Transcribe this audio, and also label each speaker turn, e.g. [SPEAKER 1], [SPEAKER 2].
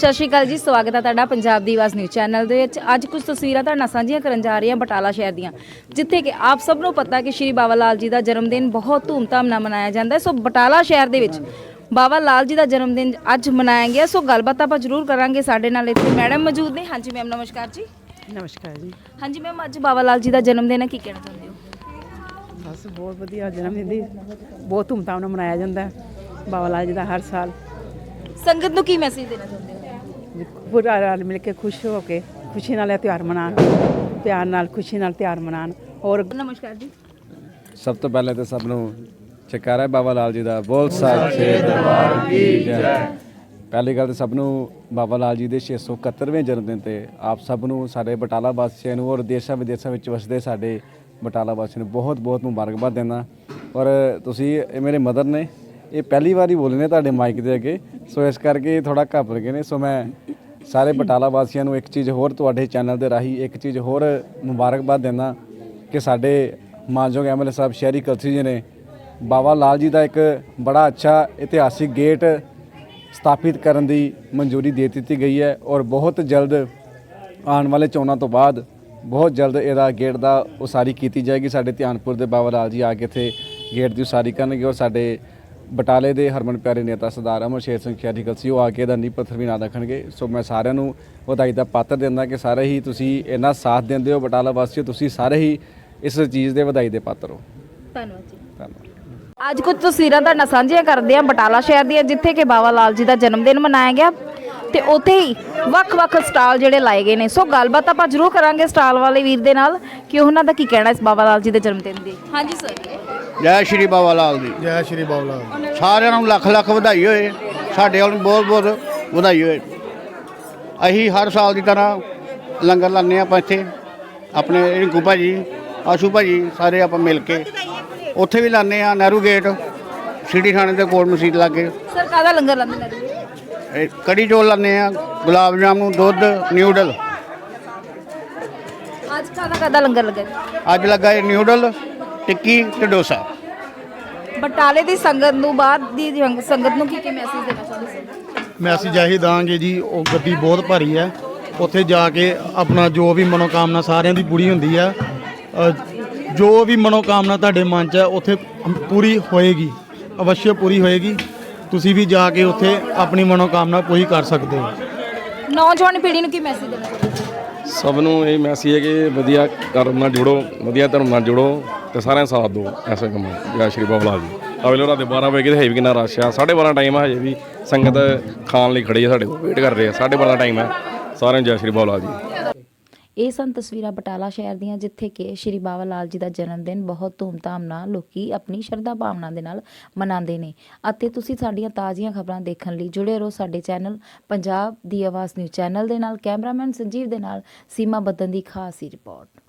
[SPEAKER 1] ਸਤਿ ਸ਼੍ਰੀ ਅਕਾਲ ਜੀ, ਸਵਾਗਤ ਹੈ ਤੁਹਾਡਾ ਪੰਜਾਬ ਦੀ ਆਵਾਜ਼ ਨਿਊਜ਼ ਚੈਨਲ ਦੇ ਵਿੱਚ। ਅੱਜ ਕੁਝ ਤਸਵੀਰਾਂ ਤੁਹਾਡੇ ਨਾਲ ਸਾਂਝੀਆਂ ਕਰਨ ਜਾ ਰਹੀ ਹਾਂ ਬਟਾਲਾ ਸ਼ਹਿਰ ਦੀਆਂ, ਜਿੱਥੇ ਕਿ ਆਪ ਸਭ ਨੂੰ ਪਤਾ ਕਿ ਸ਼੍ਰੀ ਬਾਬਾ ਲਾਲ ਜੀ ਦਾ ਜਨਮ ਦਿਨ ਬਹੁਤ ਧੂਮਧਾਮ ਨਾਲ ਮਨਾਇਆ ਜਾਂਦਾ ਹੈ। ਸੋ ਬਟਾਲਾ ਸ਼ਹਿਰ ਦੇ ਵਿੱਚ ਬਾਬਾ ਲਾਲ ਜੀ ਦਾ ਜਨਮ ਦਿਨ ਅੱਜ ਮਨਾਇਆ ਗਿਆ। ਸੋ ਗੱਲਬਾਤ ਆਪਾਂ ਜ਼ਰੂਰ ਕਰਾਂਗੇ। ਸਾਡੇ ਨਾਲ ਇੱਥੇ ਮੈਡਮ ਮੌਜੂਦ ਨੇ। ਹਾਂਜੀ ਮੈਮ, ਨਮਸਕਾਰ ਜੀ।
[SPEAKER 2] ਨਮਸਕਾਰ ਜੀ।
[SPEAKER 1] ਹਾਂਜੀ ਮੈਮ, ਅੱਜ ਬਾਬਾ ਲਾਲ ਜੀ ਦਾ ਜਨਮ ਦਿਨ ਹੈ, ਕੀ ਕਹਿਣਾ ਚਾਹੁੰਦੇ ਹੋ?
[SPEAKER 2] ਬਸ ਬਹੁਤ ਵਧੀਆ ਜਨਮ ਦਿਨ ਦੀ ਬਹੁਤ ਧੂਮਧਾਮ ਨਾਲ ਮਨਾਇਆ ਜਾਂਦਾ ਹੈ ਬਾਬਾ ਲਾਲ ਜੀ ਦਾ ਹਰ ਸਾਲ।
[SPEAKER 1] ਸੰਗਤ ਨੂੰ ਕੀ ਮੈਸੇਜ ਦੇਣਾ ਚਾਹੁੰਦੇ ਹੋ?
[SPEAKER 2] ਪੂਰਾ ਰਲ ਮਿਲ ਕੇ ਖੁਸ਼ ਹੋ ਕੇ ਖੁਸ਼ੀ ਨਾਲ ਇਹ ਤਿਉਹਾਰ ਮਨਾਉਣ, ਪਿਆਰ ਨਾਲ ਖੁਸ਼ੀ ਨਾਲ ਤਿਉਹਾਰ ਮਨਾਉਣ। ਔਰ
[SPEAKER 1] ਨਮਸਕਾਰ ਜੀ।
[SPEAKER 3] ਸਭ ਤੋਂ ਪਹਿਲੇ ਤਾਂ ਸਭ ਨੂੰ ਜੈਕਾਰਾ ਬਾਬਾ ਲਾਲ ਜੀ ਦਾ, ਬੋਲ ਸੱਚੇ ਦਰਬਾਰ ਕੀ ਜੈ। ਪਹਿਲੀ ਗੱਲ ਤਾਂ ਸਭ ਨੂੰ ਬਾਬਾ ਲਾਲ ਜੀ ਦੇ 671ਵੇਂ ਜਨਮ ਦਿਨ ਤੇ ਆਪ ਸਭ ਨੂੰ, ਸਾਡੇ ਬਟਾਲਾ ਵਾਸੀਆਂ ਨੂੰ ਔਰ ਦੇਸ਼ਾਂ ਵਿਦੇਸ਼ਾਂ ਵਿੱਚ ਵਸਦੇ ਸਾਡੇ ਬਟਾਲਾ ਵਾਸੀਆਂ ਨੂੰ ਬਹੁਤ ਬਹੁਤ ਮੁਬਾਰਕਬਾਦ ਦਿੰਦਾ। ਔਰ ਤੁਸੀਂ ਇਹ ਮੇਰੇ ਮਦਰ ਨੇ, ਇਹ ਪਹਿਲੀ ਵਾਰੀ ਬੋਲੇ ਨੇ ਤੁਹਾਡੇ ਮਾਈਕ ਦੇ ਅੱਗੇ, ਸੋ ਇਸ ਕਰਕੇ ਥੋੜ੍ਹਾ ਘਬਰ ਗਏ ਨੇ। ਸੋ ਮੈਂ ਸਾਰੇ ਬਟਾਲਾ ਵਾਸੀਆਂ ਨੂੰ ਇੱਕ ਚੀਜ਼ ਹੋਰ ਤੁਹਾਡੇ ਚੈਨਲ ਦੇ ਰਾਹੀਂ ਇੱਕ ਚੀਜ਼ ਹੋਰ ਮੁਬਾਰਕਬਾਦ ਦਿੰਦਾ ਕਿ ਸਾਡੇ ਮਾਨਯੋਗ ਐਮਐਲਏ ਸਾਹਿਬ ਸ਼ਹਿਰੀ ਕਲਸੀ ਜੀ ਨੇ ਬਾਬਾ ਲਾਲ ਜੀ ਦਾ ਇੱਕ ਬੜਾ ਅੱਛਾ ਇਤਿਹਾਸਿਕ ਗੇਟ ਸਥਾਪਿਤ ਕਰਨ ਦੀ ਮਨਜ਼ੂਰੀ ਦੇ ਦਿੱਤੀ ਗਈ ਹੈ। ਔਰ ਬਹੁਤ ਜਲਦ ਆਉਣ ਵਾਲੇ ਚੋਣਾਂ ਤੋਂ ਬਾਅਦ ਬਹੁਤ ਜਲਦ ਇਹਦਾ ਗੇਟ ਦਾ ਉਸਾਰੀ ਕੀਤੀ ਜਾਏਗੀ। ਸਾਡੇ ਧਿਆਨਪੁਰ ਦੇ ਬਾਬਾ ਲਾਲ ਜੀ ਆ ਕੇ ਇੱਥੇ ਗੇਟ ਦੀ ਉਸਾਰੀ ਕਰਨਗੇ। ਔਰ ਸਾਡੇ ਬਟਾਲੇ ਦੇ ਹਰਮਨ ਪਿਆਰੇ ਨੇਤਾ ਸਰਦਾਰ ਅਮਰ ਸ਼ੇਰ ਸਿੰਘ ਸ਼ਹਿਰੀ ਕਲਸੀ ਉਹ ਆ ਕੇ ਇਹਦਾ ਨੀਂਹ ਪੱਥਰ ਵੀ ਨਾ ਰੱਖਣਗੇ। ਸੋ ਮੈਂ ਸਾਰਿਆਂ ਨੂੰ ਵਧਾਈ ਦਾ ਪਾਤਰ ਦਿੰਦਾ ਕਿ ਸਾਰੇ ਹੀ ਤੁਸੀਂ ਇੰਨਾ ਸਾਥ ਦਿੰਦੇ ਹੋ ਬਟਾਲਾ ਵਾਸੀਓ, ਤੁਸੀਂ ਸਾਰੇ ਹੀ ਇਸ ਚੀਜ਼ ਦੇ ਵਧਾਈ ਦੇ ਪਾਤਰ ਹੋ।
[SPEAKER 1] ਧੰਨਵਾਦ ਜੀ।
[SPEAKER 3] ਧੰਨਵਾਦ।
[SPEAKER 1] ਅੱਜ ਕੁਝ ਤਸਵੀਰਾਂ ਤੁਹਾਡੇ ਨਾਲ ਸਾਂਝੀਆਂ ਕਰਦੇ ਆ ਬਟਾਲਾ ਸ਼ਹਿਰ ਦੀਆਂ, ਜਿੱਥੇ ਕਿ ਬਾਬਾ ਲਾਲ ਜੀ ਦਾ ਜਨਮ ਦਿਨ ਮਨਾਇਆ ਗਿਆ ਤੇ ਉੱਥੇ ਹੀ ਵੱਖ-ਵੱਖ ਸਟਾਲ ਜਿਹੜੇ ਲਾਏ ਗਏ ਨੇ। ਸੋ ਗੱਲਬਾਤ ਆਪਾਂ ਜ਼ਰੂਰ ਕਰਾਂਗੇ ਸਟਾਲ ਵਾਲੇ ਵੀਰ ਦੇ ਨਾਲ ਕਿ ਉਹਨਾਂ ਦਾ ਕੀ ਕਹਿਣਾ ਇਸ ਬਾਬਾ ਲਾਲ ਜੀ ਦੇ ਜਨਮ ਦਿਨ ਦੀ। ਹਾਂਜੀ ਸਰ।
[SPEAKER 4] ਜੈ ਸ਼੍ਰੀ ਬਾਬਾ ਲਾਲ ਦੀ।
[SPEAKER 5] ਜੈ ਸ਼੍ਰੀ ਬਾਬਾ ਲਾਲ।
[SPEAKER 4] ਸਾਰਿਆਂ ਨੂੰ ਲੱਖ ਲੱਖ ਵਧਾਈ ਹੋਏ, ਸਾਡੇ ਵੱਲ ਬਹੁਤ ਬਹੁਤ ਵਧਾਈ ਹੋਏ। ਅਸੀਂ ਹਰ ਸਾਲ ਦੀ ਤਰ੍ਹਾਂ ਲੰਗਰ ਲਾਉਂਦੇ ਆਪਾਂ ਇੱਥੇ, ਆਪਣੇ ਰਿੰਕੂ ਭਾਜੀ, ਆਸ਼ੂ ਭਾਜੀ, ਸਾਰੇ ਆਪਾਂ ਮਿਲ ਕੇ ਉੱਥੇ ਵੀ ਲਾਉਂਦੇ ਆ। ਨਹਿਰੂ ਗੇਟ, ਸਿਟੀ ਥਾਣੇ ਦੇ ਕੋਲ ਮਸਜਿਦ ਲਾਗੇ
[SPEAKER 1] ਸਰ ਕਾਹਦਾ ਲੰਗਰ ਲਾਉਂਦੇ ਨੇ?
[SPEAKER 4] ਕੜੀ ਚੌਲ ਲਾਉਂਦੇ ਆ, ਗੁਲਾਬ ਜਾਮੁਨ, ਦੁੱਧ, ਨਿਊਡਲ।
[SPEAKER 1] ਅੱਜ ਕਾਹਦਾ ਲੰਗਰ ਲੱਗਾ?
[SPEAKER 4] ਅੱਜ ਲੱਗਾ ਇਹ ਨਿਊਡਲ, ਟਿੱਕੀ ਤੇ ਡੋਸਾ।
[SPEAKER 1] ਬਟਾਲੇ ਦੀ ਸੰਗਤ ਨੂੰ, ਬਾਹਰ ਦੀ ਸੰਗਤ ਨੂੰ ਕੀ ਮੈਸੇਜ ਦੇਣਾ ਚਾਹੁੰਦੇ ਸਰ?
[SPEAKER 5] ਮੈਸੇਜ ਇਹੀ ਦਾਂਗੇ ਜੀ, ਉਹ ਗੱਡੀ ਬਹੁਤ ਭਾਰੀ ਹੈ, ਉੱਥੇ ਜਾ ਕੇ ਆਪਣਾ ਜੋ ਵੀ ਮਨੋਕਾਮਨਾ ਸਾਰਿਆਂ ਦੀ ਪੂਰੀ ਹੁੰਦੀ ਹੈ। ਜੋ ਵੀ ਮਨੋਕਾਮਨਾ ਤੁਹਾਡੇ ਮਨ 'ਚ ਹੈ ਉੱਥੇ ਪੂਰੀ ਹੋਏਗੀ, ਅਵਸ਼ਯ ਪੂਰੀ ਹੋਏਗੀ। ਤੁਸੀਂ ਵੀ ਜਾ ਕੇ ਉੱਥੇ ਆਪਣੀ ਮਨੋਕਾਮਨਾ ਪੂਰੀ ਕਰ ਸਕਦੇ ਹੋ।
[SPEAKER 1] ਨੌਜਵਾਨ ਪੀੜ੍ਹੀ ਨੂੰ ਕੀ ਮੈਸੇਜ ਦੇਣਾ ਚਾਹੁੰਦੇ?
[SPEAKER 6] ਸਭ ਨੂੰ ਇਹ ਮੈਸੇਜ ਹੈ ਕਿ ਵਧੀਆ ਕਰਮ ਨਾਲ ਜੁੜੋ, ਵਧੀਆ ਧਰਮ ਨਾਲ ਜੁੜੋ ਤੇ ਸਾਰਿਆਂ ਸਾਥ ਦਿਓ ਐਸੇ ਕੰਮ। ਜੈ ਸ਼੍ਰੀ ਬਾਬਾ ਲਾਲ ਜੀ। ਅਗਲੇ ਰਾਤ ਦੇ 12 ਵਜੇ ਤੇ ਹੈ ਵੀ ਕਿੰਨਾ ਰਸ਼ ਆ। 12:30 ਟਾਈਮ ਹੈ, ਹਜੇ ਵੀ ਸੰਗਤ ਖਾਣ ਲਈ ਖੜੀ ਹੈ, ਸਾਡੇ ਕੋਲ ਵੇਟ ਕਰ ਰਹੇ ਆ। 12:30 ਟਾਈਮ ਹੈ। ਸਾਰਿਆਂ ਨੂੰ ਜੈ ਸ਼੍ਰੀ ਬਾਬਾ ਲਾਲ ਜੀ।
[SPEAKER 1] ਇਹ ਸਨ ਤਸਵੀਰਾਂ ਬਟਾਲਾ ਸ਼ਹਿਰ ਦੀਆਂ, ਜਿੱਥੇ ਕਿ ਸ਼੍ਰੀ ਬਾਬਾ ਲਾਲ ਜੀ ਦਾ ਜਨਮ ਦਿਨ ਬਹੁਤ ਧੂਮਧਾਮ ਨਾਲ ਲੋਕੀ ਆਪਣੀ ਸ਼ਰਧਾ ਭਾਵਨਾ ਦੇ ਨਾਲ ਮਨਾਉਂਦੇ ਨੇ। ਅਤੇ ਤੁਸੀਂ ਸਾਡੀਆਂ ਤਾਜ਼ੀਆਂ ਖਬਰਾਂ ਦੇਖਣ ਲਈ ਜੁੜੇ ਰਹੋ ਸਾਡੇ ਚੈਨਲ ਪੰਜਾਬ ਦੀ ਆਵਾਜ਼ ਨਿਊਜ਼ ਚੈਨਲ ਦੇ ਨਾਲ। ਕੈਮਰਾਮੈਨ ਸੰਜੀਵ ਦੇ ਨਾਲ ਸੀਮਾ ਬੱਦਨ ਦੀ ਖਾਸ ਹੀ ਰਿਪੋਰਟ।